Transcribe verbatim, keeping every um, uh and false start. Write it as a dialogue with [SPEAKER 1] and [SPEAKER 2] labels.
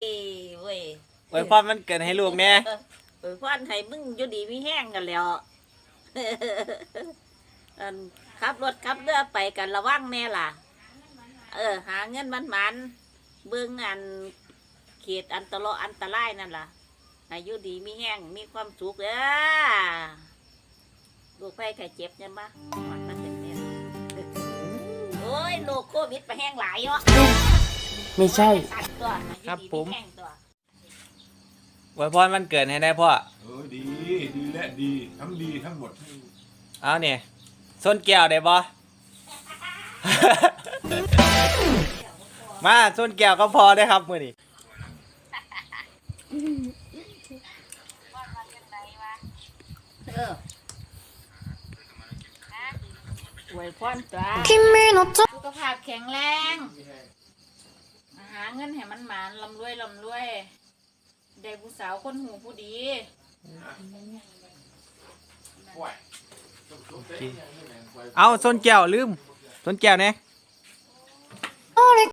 [SPEAKER 1] เว้ย
[SPEAKER 2] อวยพรมันเกิดให้ลูกแน่
[SPEAKER 1] อวยพรให้มึงอยู่ดีมีแห้งกันแล้วอันขับรถขับเรือไปกันระวังแน่ล่ะ เออ หาเงินมันมันๆเบิ่งอันเขตอันตรายอันตรายนั่นล่ะให้อยู่ดีมีแห้งมีความสุขเด้อลูกไผ่ไข่เจ็บยังปะมันมันเป็นเนี่ยโอ้ยโรคโควิดไปแห้งหลายเนาะ
[SPEAKER 3] ไม่ใช่
[SPEAKER 1] ตัว
[SPEAKER 2] ครับผม
[SPEAKER 1] แห้งตัว
[SPEAKER 2] อวยพรมันเกิดให้ได้พ่อ
[SPEAKER 4] เออดีดีและดีทั้งดีทั้งหมด
[SPEAKER 2] เอาเนี่ยส้นแก้วได้บ่ มาส้นแก้วก็พอได้ครับมื้อนี้
[SPEAKER 1] เอออวยพรตัวสุขภาพแข็งแรงหาเงินให้มันหมานลำรวยลำรวยได้ผู้สาวคนหูผู้ดี
[SPEAKER 2] เอาส้นแก้วลืมส้นแก้วเนี่ย